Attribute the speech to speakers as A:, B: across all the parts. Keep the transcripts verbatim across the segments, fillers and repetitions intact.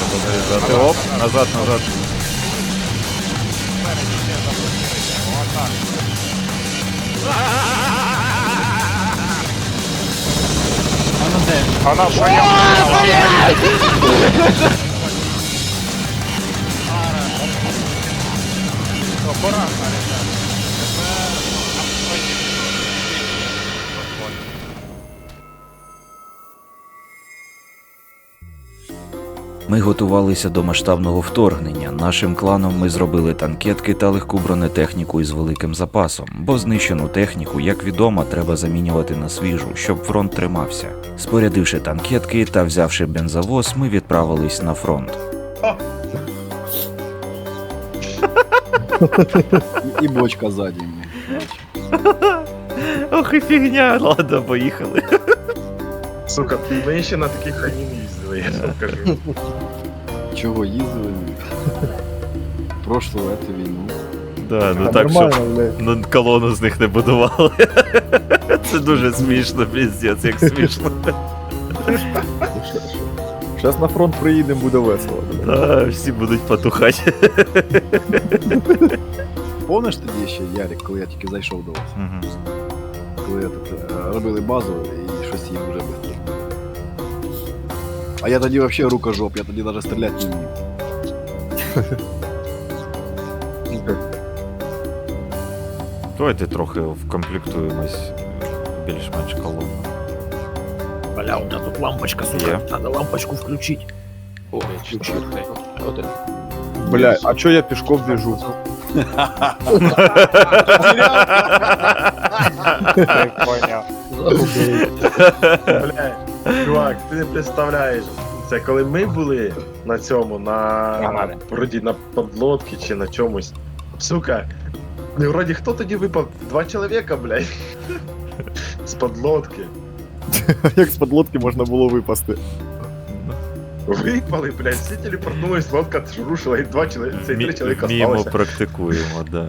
A: доїжджати. Оп, назад, назад.
B: Она поехала. Аккуратно, ребят.
C: Ми готувалися до масштабного вторгнення. Нашим кланом ми зробили танкетки та легку бронетехніку із великим запасом, бо знищену техніку, як відомо, треба замінювати на свіжу, щоб фронт тримався. Спорядивши танкетки та взявши бензовоз, ми відправились на фронт.
D: І бочка ззаді.
A: Ох і фігня, ладно, поїхали.
E: Сука, ми ще на таких хані не їздили, я вам кажу.
D: Чого їздили? Прошлу эту війну.
A: Да, ну
F: А,
A: так,
F: нормально,
A: щоб
F: блядь.
A: ну, колону з них не будували. Це дуже смішно, піздець, як смішно.
F: Щас на фронт приїдемо, буде весело.
A: Да, всі будуть потухати.
D: Помниш тоді ще, Ярик, коли я тільки зайшов до вас?
A: Мгм.
D: Коли тут, е, робили базу і щось їм вже швидко. А я тоді взагалі рукожоп, я тоді навіть стріляти не вмів.
A: Давайте трохи вкомплектуємось більш-менш колону.
G: Бля, у меня тут лампочка,
A: Є.
G: сука. Надо лампочку включить. О,
B: Четвертый. Вот это.
F: Бля, а чо я пішком біжу?
B: Ты понял.
E: Бля, чувак, ти не представляєш. Це коли ми були на цьому, на
B: Нормально.
E: вроді на подлодці чи на чомусь. Сука, ну, вроді хто тоді випав? Два чоловіка, блядь. З подлодки.
F: Як з подлодки можна було випасти?
E: Випали, блядь, всі телепортнулись, лодка рушила, і два чоловіка, це і три
A: Мі-
E: чоловіка
A: Вміємо,
E: сталося.
A: практикуємо, да.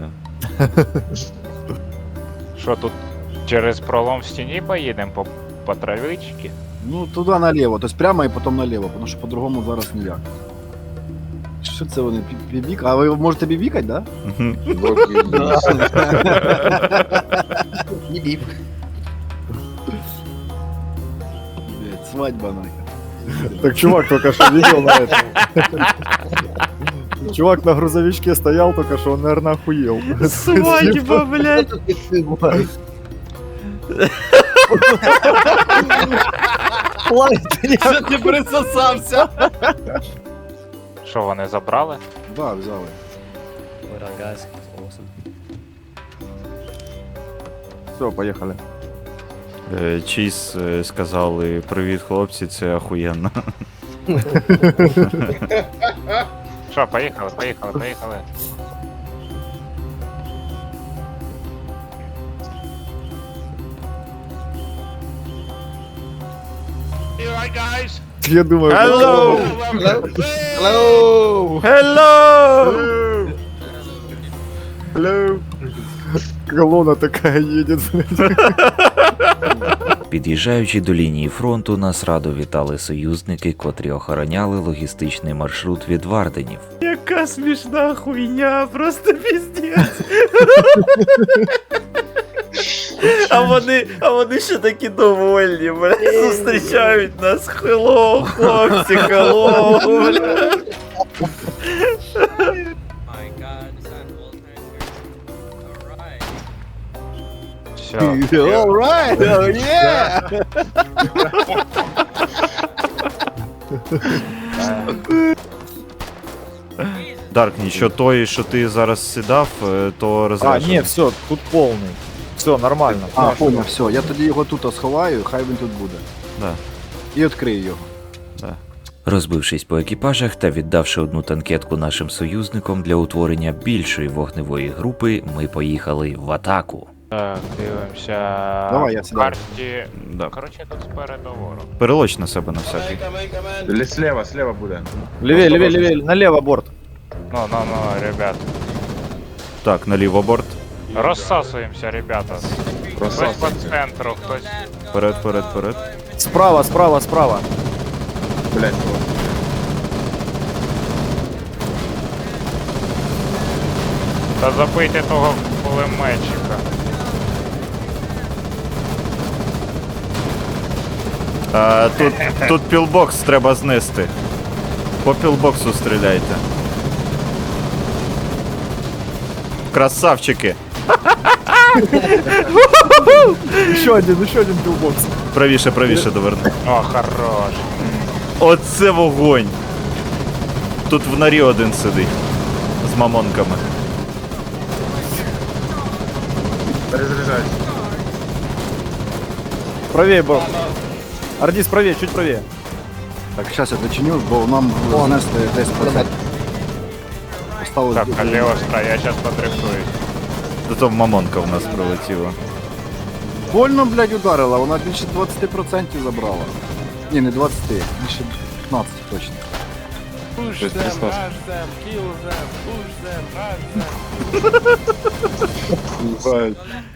B: Що тут через пролом в стіні поїдемо по, по травичці?
D: Ну, туди наліво, тобто прямо і потім наліво, тому що по-другому зараз ніяк. Що це вони, бі- бібік? А ви можете бібікати, да?
A: Мгм.
D: Бібік. Блядь, свадьба нахер.
F: Так чувак только что видел на этом. Чувак на грузовичке стоял только что, он, наверное, охуел.
A: Свадьба, блядь.
G: Що ти присосався?
B: Що вони забрали?
D: Да, взяли.
F: Все, поехали.
A: Е, Чіз е, сказали: привіт, хлопці, це ахуєнно.
B: Що, поїхали, поїхали, поїхали.
F: Я думаю,
A: Hello!
G: Hello!
A: Hello!
E: Hello.
F: колонна такая едет.
C: Під'їжджаючи до лінії фронту, нас радо вітали союзники, котрі охороняли логістичний маршрут від Варденів.
A: Яка смішна хуйня, просто піздець. А вони, а вони ще такі довольні, бля, зустрічають нас. Хеллоу, хлопці, хеллоу, бля.
B: Все.
D: Alright, oh yeah!
A: Дарк, нічого той, що ти зараз сідав, е, то
F: А,
A: розряджено.
F: не, все, тут полный. Все, нормально.
D: А, понял, все, я тоді його тут сховаю, хай він тут буде.
A: Да.
D: І відкрию його.
C: Розбившись по екіпажах та віддавши одну танкетку нашим союзникам для утворення більшої вогневої групи, ми поїхали в атаку.
B: Так, дивимося.
D: Давай, я сідаю.
B: Карті.
A: Да.
B: Коротше, тут спереду ворог.
A: Перелоч на себе на всякий.
E: Или слева, слева буде.
F: Левее, левее, левее, налево борт.
B: Ну, ну, ну, ребят.
A: Так, наліво борт.
B: Розсасуємося, ребята. Хтось по центру, хтось.
A: Вперед, вперед, вперед.
F: Справа, справа, справа.
E: Блять,
B: Та забийте того кулеметчика.
A: А, тут, тут пілбокс треба знести. По пілбоксу стріляйте. Красавчики.
F: Еще один, еще один пилбокс.
A: Правіше, правіше доверни.
B: О, хорош.
A: Оце вогонь. Тут в норі один сидить. З мамонками.
E: Перезаряджаюсь.
F: Правее, Борт. Ардис, правее, чуть правее.
D: Так, зараз я дочиню, бо нам знесли десять процентів. Осталось
B: Так,
D: дуже-
B: Каліостро, я зараз подрифтуюсь.
A: Та то мамонка в нас прилетіла.
D: Больно, блядь, ударила, вона більше двадцять процентів забрала. Ні, не двадцять, більше п'ятнадцять точно.
E: Щось тряслось. Ебать.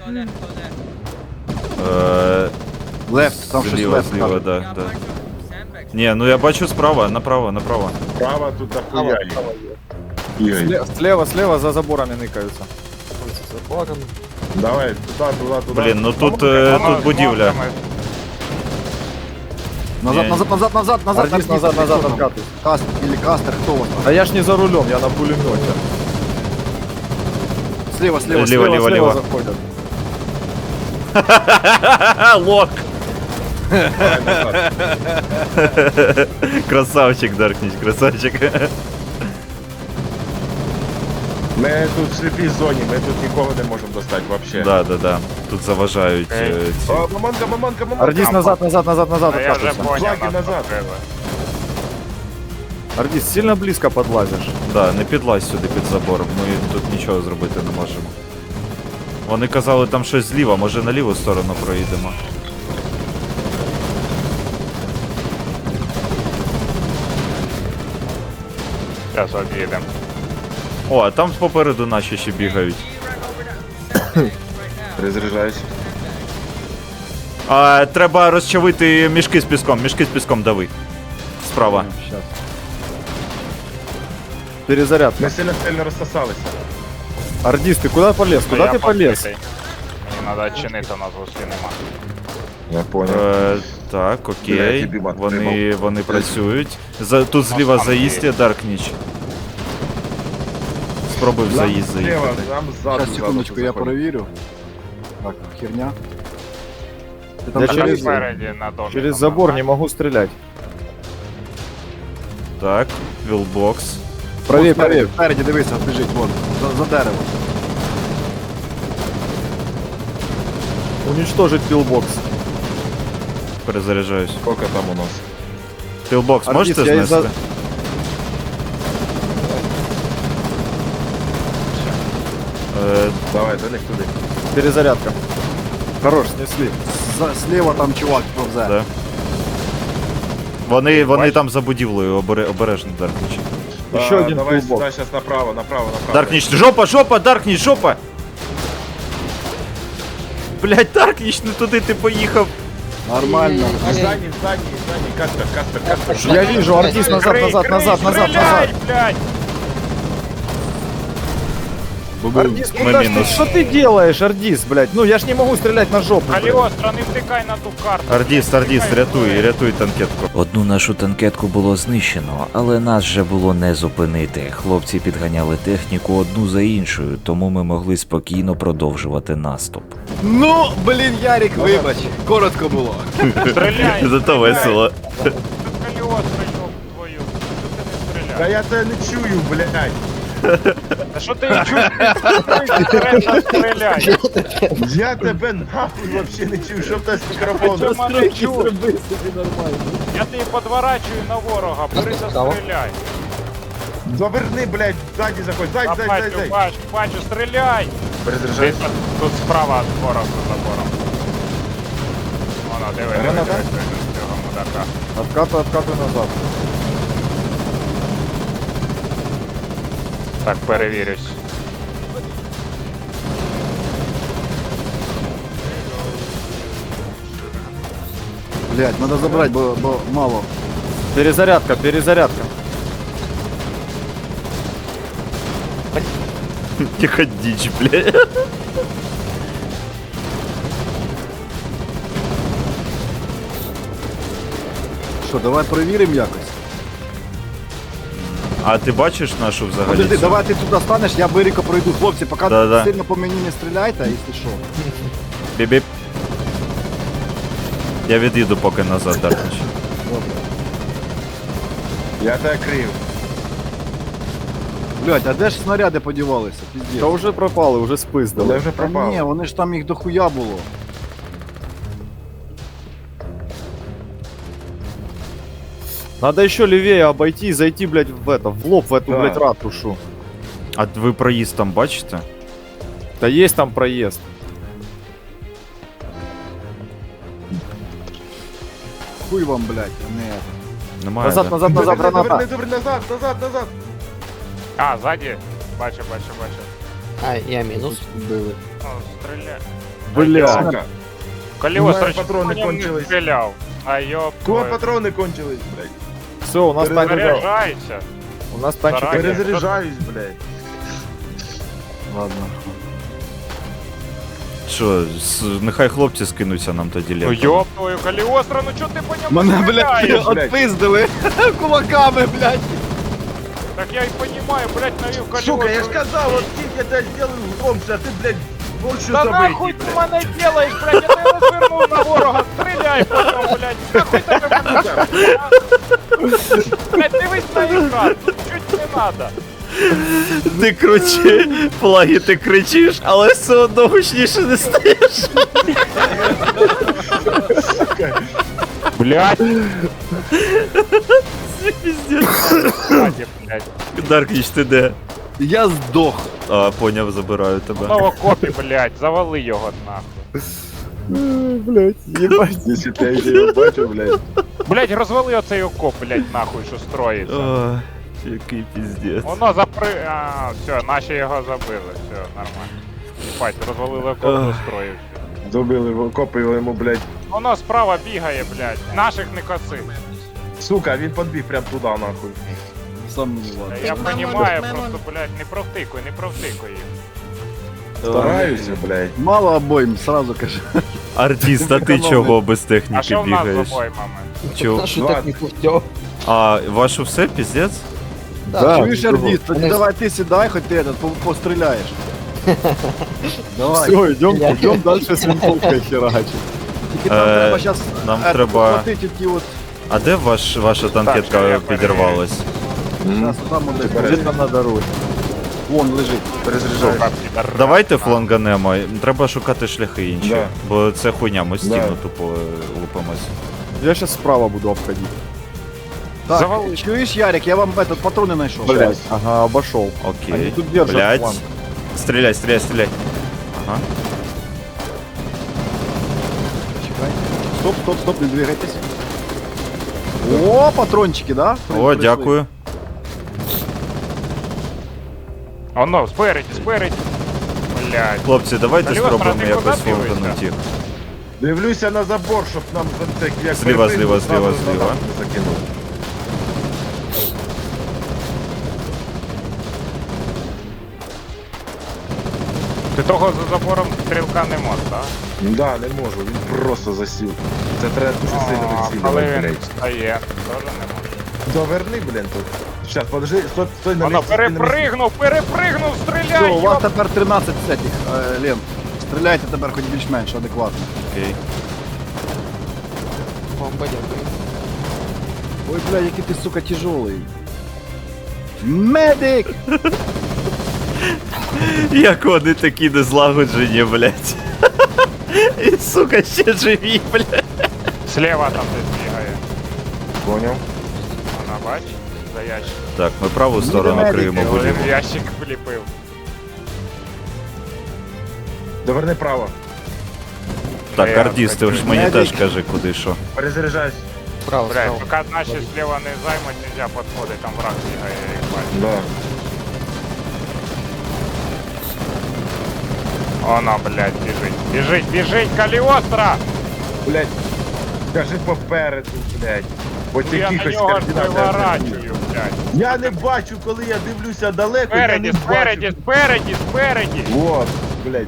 A: Е,
D: Лефт, там щось
A: зліва,
D: лефт.
A: зліва,
D: каже.
A: да, да. Ні, ну я бачу справа, направо, направо.
E: Право тут дохуя їх. Ігор,
F: Сле- Слева, слева, за заборами ныкаются.
E: давай, туда, туда, туда.
A: Блін, ну тут, е,
B: Воно
A: тут
B: з
A: будівля.
B: мавками.
D: Назад,
A: Ні.
D: назад, назад, назад, назад.
F: Ардис, назад, назад, откатывай.
D: Кастер, или кастер, хто у вас там?
F: А я ж не за рулем, я на пулемете.
D: Слева, слева,
A: Лево,
D: слева.
A: лево, лево.
F: заходят.
A: Лок!
E: Давай назад.
A: Красавчик, Даркніч, красавчик.
E: Ми тут в сліпій зоні, ми тут нікого не можемо достати вообще.
A: Да, да, да. Тут заважають е, ці.
E: О, мамонка, мамонка, мамонка.
F: Ардис, назад, назад, назад, назад,
B: А я вже
F: откатывайся.
B: поняв,
E: Флаги
B: нас
E: назад.
B: покрили.
F: Ардис, сильно близко подлазишь.
A: Да, не підлазь сюди під забор, ми тут нічого зробити не можемо. Вони казали там щось зліва, може на ліву сторону проїдемо.
B: Зараз об'їдемо.
A: О, а там попереду наші ще бігають.
E: Перезаряджаюсь.
A: А, треба розчавити мішки з піском, мішки з піском дави. Справа.
F: Сейчас. Перезарядка.
E: Ми сильно сильно розсосалися.
F: Ардис, ты куда полез?
B: Ну,
F: Куда
B: я
F: ты полез?
B: покритий. Мені треба чинити, у нас гуслі нема.
E: Я понял.
A: Е, так,
E: Блядь,
A: окей.
E: тобі мат
A: Вони,
E: тримав.
A: вони працюють. За, тут зліва
B: там
A: заїзд є Даркніч. Спробуй в заїзд
E: Слева,
A: заїхати.
E: нам ззаду.
D: Сейчас, секундочку, я
E: заходимо.
D: перевірю. Так, херня. Ти там
F: Я
B: А
D: через-
B: там
F: через-
B: спереді на домі.
F: Через
B: там
F: забор не
B: нормально.
F: могу стрелять.
A: Так, вілбокс.
F: Правее,
D: Вон спереді,
F: правее.
D: Спереді, дивися, біжить, вон, за, за дерево.
F: Уничтожить пилбокс.
A: Перезаряджаюсь.
E: Сколько там у нас?
A: Пілбокс
F: Ардис,
A: можете
F: я із-за-
A: знести? Е,
E: Давай, до них туди.
F: Перезарядка. Хорош, снесли.
D: За, слева там чувак повзе.
A: да. Вони, вони
B: Бачиш?
A: там за будівлею, обере, обережно, Даркніч.
F: Еще
E: А,
F: один
E: Давай
F: пилбокс.
E: сюди, зараз направо, направо, направо.
A: Даркніч, жопа, жопа, Даркніч, жопа! Блять, Даркніч, не туди ти поїхав.
D: Нормально.
E: Здані, здані, здані, кастер, кастер, кастер.
F: Я вижу, Ардис, назад,
B: Крий,
F: назад,
B: крий,
F: назад, назад,
B: стріляй,
F: назад.
B: блядь!
F: Ардис,
A: Мы
F: куда ж ты,
A: минус.
F: что ты делаешь, Ардис, блядь? Ну я ж не могу стрелять на жопу. блядь.
B: Каліостро, не втикай на ту карту.
A: Ардіс, Ардіс, рятуй, рятуй танкетку.
C: Одну нашу танкетку було знищено, але нас же було не зупинити. Хлопці підганяли техніку одну за іншою, тому ми могли спокійно продовжувати наступ.
D: Ну, блін, Ярик, вибач. Коротко було.
B: Стріляй!
A: Зато весело.
B: Тут Каліостро, йоб твою. Що ти не
E: Та
B: стріляєш?
E: я тебе не чую, блядь.
B: Та що ти чуєш? Ти стріляй!
E: Я тебе нахуй вообще не чую, що в тебе з мікрофоном?
B: Чому не чуєш? Я тебе подворачую на ворога, бери та стріляй.
E: Заверни, блядь, ззаді заходь, ззаді,
B: А
E: ззаді,
B: бачу,
E: ззаді, ззаді.
B: бачу, бачу, стріляй!
E: Перезаряджайся.
B: Десь тут справа від ворога за забором. Воно, диви, диви,
E: Граната?
B: диви, диви, з цього мудака.
F: Откатывай, откатывай назад.
B: Так, перевірюсь.
D: Блять, надо забрать, бо, бо мало.
F: Перезарядка, перезарядка.
A: Тихо дичь, блядь.
D: Що, давай перевіримо якось.
A: А ти бачиш нашу взагалі?
D: Подожди,
A: цю?
D: давай ти туди станеш, я Бирико пройду. Хлопці, поки
A: Да-да.
D: сильно по мені не стріляйте, якщо що.
A: Бібіп. Я від'їду поки назад, Даркнич.
E: Я тебе крив.
D: Блять, а де ж снаряди подівалися?
F: Та
D: Піздець.
F: вже пропали, вже
E: Вони
F: спиздили.
E: вже
D: Та ні,
E: пропали.
D: вони ж там їх дохуя було.
F: Надо еще левее обойти и зайти, блядь, в это, в лоб, в эту,
E: Да.
F: блядь, ратушу.
A: А ви проїзд там бачите?
F: Да есть там проезд.
D: Хуй вам, блять, не.
A: Немає.
F: Назад,
A: да?
F: назад, назад,
E: Доверни,
F: граната.
E: доверни, назад, назад, назад.
B: А, ззаді. Бачу, бачу, бачу.
G: А, я мінус.
D: Вбили.
B: О, стріляй.
F: Бля.
E: Сука.
B: Коліос,
E: У мене
B: речі,
E: патрони
B: по ньому не
E: кончились.
B: стріляв. А йоп.
E: Кого
B: твою.
E: патрони кончились, блядь?
F: Все, у нас танчик.
B: Заряджайся.
F: У нас танчик.
B: Заранее.
E: Перезаряджаюсь, блядь.
D: Ладно.
A: Що, с- нехай хлопці скинуться нам тоді
B: Ну
A: лентами.
B: йоп твою, Каліостро, ну чо ти по ньому
D: Мене,
B: стріляєш?
D: блядь,
E: блядь.
D: отпиздили кулаками, блядь.
B: Так я і понімаю, блядь, навів Каліостро.
E: Сука, я ж казав, от тільки я тебе зробив громче, а ти, блядь, больше
B: Да нахуй
E: забитий,
B: ти
E: блядь.
B: мене делаєш, блядь, я тебе розвернув на ворога, стріляй по ньому, блядь, нахуй тебе мене, блядь, дивись на екран, чуть не надо.
A: Ти кричи, флаги ти кричиш, але все одно гучніше не стаєш.
B: Блядь,
A: Це піздець.
B: ззаді, блядь,
A: Даркніч, ти де?
D: Я здох.
A: А, поняв, забираю тебе.
B: знову копі, блядь, завали його нахуй.
F: Блядь, ебать.
E: Якщо ти його бачив, блядь.
B: Блядь, розвали оцей окоп, блядь, нахуй, що строїться.
A: О, який піздець.
B: Воно запри... А, все, наші його забили, все, нормально. Єбать, розвалили окоп,
A: Ох.
B: достроїв.
E: Добили, окопили йому, блядь.
B: Воно справа бігає, блядь, наших не коси.
E: Сука, він підбіг прям туди, нахуй.
D: Сам мені ладно.
B: Я понімаю, просто, блядь, не провтикуй, не провтикуй їх.
E: Стараюся, блядь.
D: Мало обоїм, сразу кажу.
A: Артист, а ти чого без
B: А
A: техніки
B: що в нас з
A: бігаєш?
B: обоймами?
A: Чого?
G: Що так не пустяв?
A: А, ваше все, піздець?
F: Да,
D: Чуєш,
F: чого?
D: артист, тоді
G: Вони-
D: давай ти сідай, хоч ти этот, по- постріляєш. Давай.
F: Все, идем,
G: Я-
F: идем дальше с винтовкой херачить.
D: Тільки там
A: Е,
D: треба зараз
A: нам треба-
D: ті от.
A: А де ваш, ваша
B: що
A: танкетка
B: я
A: підірвалась?
D: Зараз там
E: Ти
D: от
E: береш.
F: Где-то на дороге.
D: вон лежить.
E: Перезаряджаюсь.
B: Сука, підар.
A: Давайте фланганемо, треба шукати шляхи інші,
E: Да.
A: бо це хуйня, ми стіну
E: Да.
A: тупо е, лупимось.
F: Я сейчас справа буду обходить.
D: Так,
B: Завали.
D: чуєш, Ярик, я вам этот, патрони знайшов.
F: Блять. Ага, обошел.
A: Окей.
F: Они тут держат
A: Блять.
F: фланг.
A: Стріляй, стріляй, стріляй. Ага.
D: Чекай. Стоп, стоп, стоп, не двигайтесь. О, патрончики, да?
A: О,
D: Прийшли.
A: дякую.
B: Оно, спереді, спереді. Блядь.
A: Хлопці, давайте
B: Каліостро,
A: спробуємо
B: ти
A: якось
B: куди дивишся?
A: фланганути їх.
E: Дивлюся на забор, щоб нам це як
A: Зліва,
E: припинуть,
A: зліва,
E: зразу
A: зліва,
E: назад
A: зліва.
E: не закинув.
B: Ти того за забором стрілка не можеш, так?
E: Да, не можу, він просто засів. Це треба дуже сильно
B: А,
E: відсілювати,
B: коли він
E: блядь.
B: встає, теж не може.
E: Доверни, блін, тут. Щас, подожди, стой, стой на
B: Воно
E: місці. стой на місці.
B: перепригнув, перепригнув, стріляй,
D: Все, у вас
B: йоп!
D: тепер тринадцять цих е, лент. Стріляйте тепер хоч більш-менш адекватно.
A: Окей.
G: Бомба, дякую.
D: Ой, бля, який ти, сука, тяжелий. Медик!
A: Як вони такі незлагоджені, блять. І сука, ще живі, блять.
B: Слева там десь бігає.
E: Поняв?
B: Вона бач, за ящик.
A: Так, ми праву сторону
D: медики,
A: криємо
B: Один
A: будівлю.
B: в ящик вліпив.
E: Доверни право.
A: Так,
B: Я
A: артист, ти ж
B: такий
A: мені
D: медик.
A: теж кажи, куди що.
E: Перезаряджаюсь.
G: Справа,
B: Блядь,
G: справа.
B: поки наші слева не займуть, нельзя підходити, там враг бігає, я їх бачу.
E: Да.
B: Оно, блядь, біжить. Біжить, біжить, Каліостро!
E: Блять, кажи попереду, блять. Бо
B: Ну, я
E: ті
B: на
E: якихось
B: нього ж
E: координат.
B: виворачую, блядь.
E: Я не бачу, коли я дивлюся далеко, я
B: Спереді,
E: не
B: спереді,
E: бачу.
B: спереді, спереді.
E: Вот, блядь.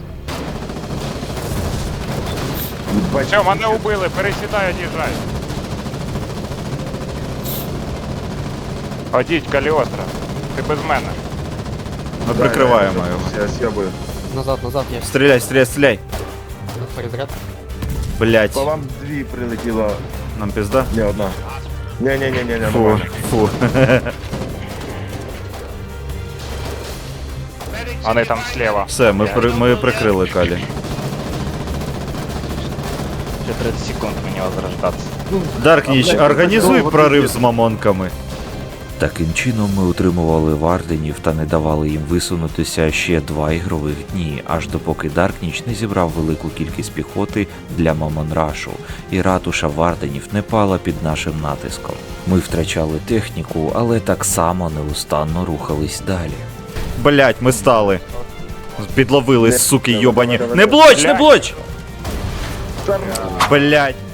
E: Бачу.
B: Все, мене убили, пересідай, одіжай. Ходіть, Каліостро. Ти без мене.
A: Ми
E: Да,
A: прикриваємо
E: я-
A: його.
E: Я съебаю.
G: Назад, назад, я
A: Стріляй, стріляй, стріляй.
G: перезаряд.
A: Блять,
E: По вам дві прилетіло.
A: нам пізда.
E: Не одна. Не-не-не-не,
A: Фу,
E: нормально.
A: фу.
B: Вони там слева.
A: Все, ми, при, ми прикрили Калі.
B: Ще тридцять секунд мені возрождатися.
A: Даркніч,
D: блядь,
A: організуй
D: це
A: прорив
D: довго
A: з мамонками.
C: Таким чином ми утримували варденів та не давали їм висунутися ще два ігрових дні, аж допоки Даркніч не зібрав велику кількість піхоти для Мамонрашу, і ратуша варденів не пала під нашим натиском. Ми втрачали техніку, але так само неустанно рухались далі.
A: Блять, ми стали. Підловили,
E: Не,
A: суки
E: давай,
A: йобані.
E: давай,
A: Не
E: давай.
A: блоч, не
B: Блядь.
A: блоч! Блять.